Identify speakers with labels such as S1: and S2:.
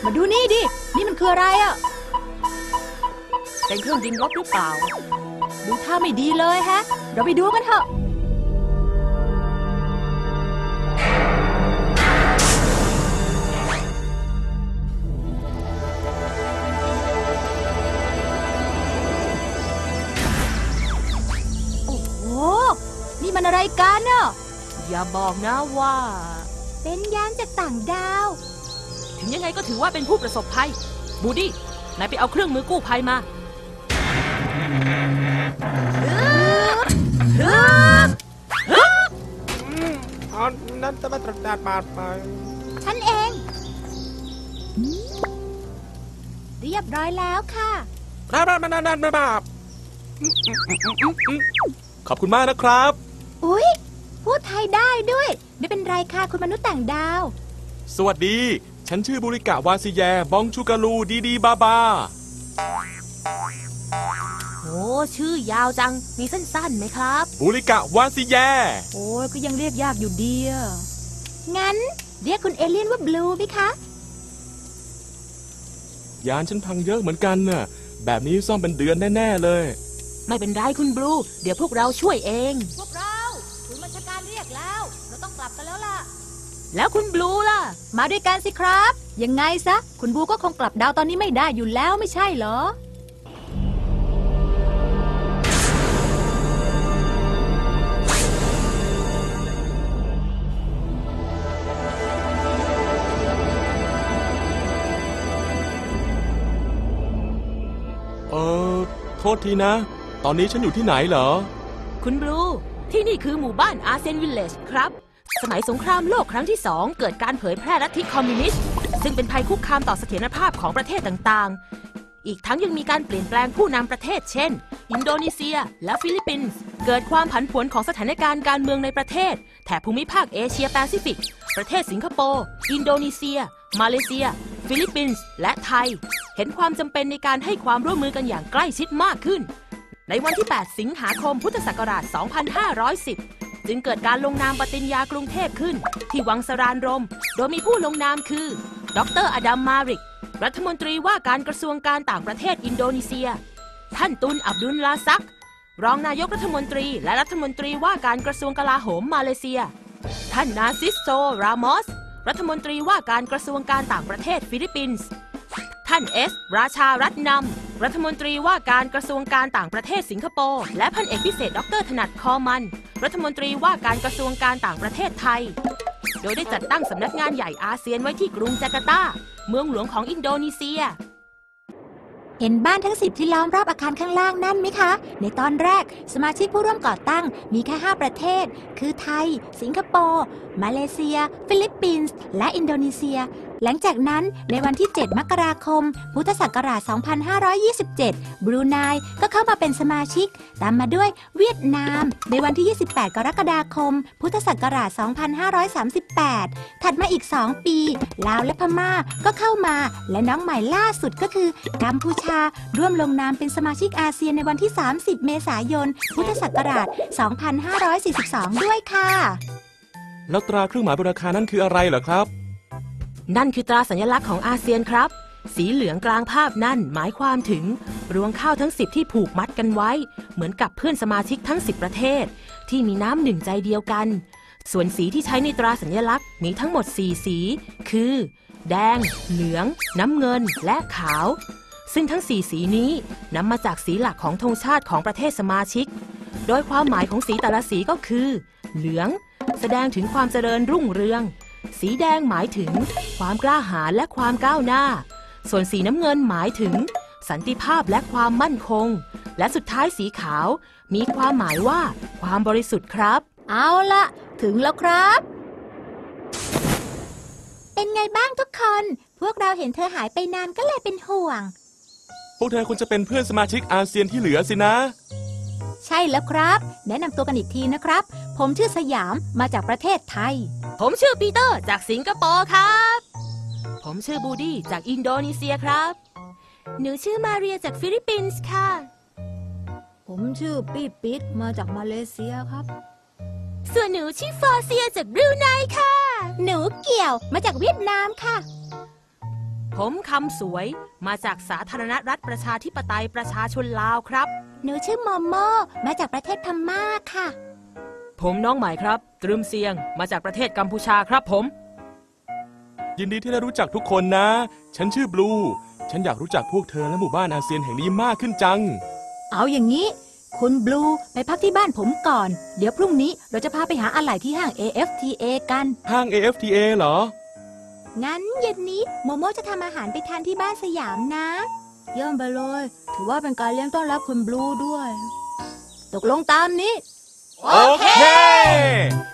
S1: มาดูนี่ดินี่มันคืออะไรอ่ะ
S2: เป็นเครื่องบินรบหรือเปล่า
S1: ดูท่าไม่ดีเลยฮะเราไปดูกันเถอะโอ้โหนี่มันอะไรกันเนาะ
S2: อย่าบอกนะว่า
S1: เป็นยานจากต่างดาว
S2: ถึงยังไงก็ถือว่าเป็นผู้ประสบภัยบูดี้นายไปเอาเครื่องมือกู้ภัยมา
S3: นั่นจะมาตรวจบาดไป
S1: ฉันเองเรียบร้อยแล้วค่ะ
S3: รับขอบคุณมากนะครับ
S1: อุ๊ยพูดไทยได้ด้วยไม่เป็นไรค่ะคุณมนุษย์ต่างดาว
S3: สวัสดีฉันชื่อบุริกะวาซิแยบองชูกาลูดีบาบา
S2: โอ้ชื่อยาวจังมีสั้นๆไหมครับ
S3: บุริกะวาซิแย
S1: โอ้ยก็ยังเรียกยากอยู่ดีอ่ะงั้นเรียกคุณเอเลี่ยนว่าบลูไหมคะ
S3: ยานฉันพังเยอะเหมือนกันน่ะแบบนี้ซ่อมเป็นเดือนแน่ๆเลย
S2: ไม่เป็นไรคุณบลูเดี๋ยวพวกเราช่วยเอง
S1: พวกเราคุณบัญชาการเรียกแล้วเราต้องกลับกันแล้วล่ะ
S2: แล้วคุณบลูล่ะ
S1: มาด้วยกันสิครับยังไงซะคุณบลูก็คงกลับดาวตอนนี้ไม่ได้อยู่แล้วไม่ใช่เหรอ
S3: โทษทีนะตอนนี้ฉันอยู่ที่ไหนเหรอ
S2: คุณบลูที่นี่คือหมู่บ้านอาเซนวิลเลจครับสมัยสงครามโลกครั้งที่2เกิดการเผยแพร่ลัทธิคอมมิวนิสต์ซึ่งเป็นภัยคุกคามต่อเสถียรภาพของประเทศต่างๆอีกทั้งยังมีการเปลี่ยนแปลงผู้นำประเทศเช่นอินโดนีเซียและฟิลิปปินส์เกิดความผันผวนของสถานการณ์การเมืองในประเทศแถบภูมิภาคเอเชียแปซิฟิกประเทศสิงคโปร์อินโดนีเซียมาเลเซียฟิลิปปินส์และไทยเห็นความจำเป็นในการให้ความร่วมมือกันอย่างใกล้ชิดมากขึ้นในวันที่ 8 สิงหาคม พุทธศักราช 2510 จึงเกิดการลงนามปฏิญญากรุงเทพขึ้นที่วังสรานรมโดยมีผู้ลงนามคือ ดร. อดัม มาริก รัฐมนตรีว่าการกระทรวงการต่างประเทศอินโดนีเซีย ท่านตุน อับดุลลาซัก รองนายกรัฐมนตรีและรัฐมนตรีว่าการกระทรวงกลาโหมมาเลเซีย ท่านนาซิสโซ รามอส รัฐมนตรีว่าการกระทรวงการต่างประเทศฟิลิปปินส์ท่านเอส ราชารัตนำรัฐมนตรีว่าการกระทรวงการต่างประเทศสิงคโปร์และพันเอกพิเศษดร.ถนัดคอมันรัฐมนตรีว่าการกระทรวงการต่างประเทศไทยโดยได้จัดตั้งสำนักงานใหญ่อาเซียนไว้ที่กรุงจาการ์ตาเมืองหลวงของอินโดนีเซีย
S1: เห็นบ้านทั้ง10ที่ล้อมรอบอาคารข้างล่างนั่นไหมคะในตอนแรกสมาชิกผู้ร่วมก่อตั้งมีแค่5ประเทศคือไทยสิงคโปร์มาเลเซียฟิลิปปินส์และอินโดนีเซียหลังจากนั้นในวันที่7 มกราคมพุทธศักราช 2527 บรูไนก็เข้ามาเป็นสมาชิกตามมาด้วยเวียดนามในวันที่ 28 กรกฎาคมพุทธศักราช 2538 ถัดมาอีก2 ปีลาวและพม่าก็เข้ามาและน้องใหม่ล่าสุดก็คือกัมพูชาร่วมลงนามเป็นสมาชิกอาเซียนในวันที่ 30 เมษายน พุทธศักราช 2542 ด้วยค่ะ
S3: แล้วตราเครื่องหมายบนอาคารนั่นคืออะไรเหรอครับ
S2: นั่นคือตราสัญลักษณ์ของอาเซียนครับสีเหลืองกลางภาพนั่นหมายความถึงรวงข้าวทั้ง10ที่ผูกมัดกันไว้เหมือนกับเพื่อนสมาชิกทั้ง10ประเทศที่มีน้ำหนึ่งใจเดียวกันส่วนสีที่ใช้ในตราสัญลักษณ์มีทั้งหมด4สีคือแดงเหลืองน้ำเงินและขาวซึ่งทั้ง4สีนี้นำมาจากสีหลักของธงชาติของประเทศสมาชิกโดยความหมายของสีแต่ละสีก็คือเหลืองแสดงถึงความเจริญรุ่งเรืองสีแดงหมายถึงความกล้าหาญและความก้าวหน้าส่วนสีน้ำเงินหมายถึงสันติภาพและความมั่นคงและสุดท้ายสีขาวมีความหมายว่าความบริสุทธิ์ครับ
S1: เอาละถึงแล้วครับเป็นไงบ้างทุกคนพวกเราเห็นเธอหายไปนานก็เลยเป็นห่วง
S3: พวกเธอควรจะเป็นเพื่อนสมาชิกอาเซียนที่เหลือสินะ
S1: ใช่แล้วครับแนะนำตัวกันอีกทีนะครับผมชื่อสยามมาจากประเทศไทย
S2: ผมชื่อปีเตอร์จากสิงคโปร์ครับผมชื่อบูดี้จากอินโดนีเซียครับหนูชื่อมาเรียจากฟิลิปปินส์ค่ะ
S1: ผมชื่อปี้ปิ๊ดมาจากมาเลเซียครับ
S2: ส่วนหนูชื่อฟอเซียจากบรูไนค่ะ
S1: หนูเกี่ยวมาจากเวียดนามค่ะ
S2: ผมคำสวยมาจากสาธารณรัฐประชาธิปไตยประชาชนลาวครับ
S1: หนูชื่อโมโมมาจากประเทศพม่าค่ะ
S2: ผมน้องใหม่ครับ ตรึมเซียงมาจากประเทศกัมพูชาครับผม
S3: ยินดีที่ได้รู้จักทุกคนนะ ฉันชื่อบลู ฉันอยากรู้จักพวกเธอและหมู่บ้านอาเซียนแห่งนี้มากขึ้นจัง
S1: เอาอย่างนี้ คุณบลูไปพักที่บ้านผมก่อน เดี๋ยวพรุ่งนี้เราจะพาไปหาอะไหล่ที่ห้าง AFTA กัน
S3: ห้าง AFTA เหรอ
S1: งั้นเย็นนี้โมโมจะทำอาหารไปทานที่บ้านสยามนะ เยี่ยมไปเลย ถือว่าเป็นการเลี้ยงต้อนรับคุณบลูด้วย ตกลงตามนี้
S3: โอเค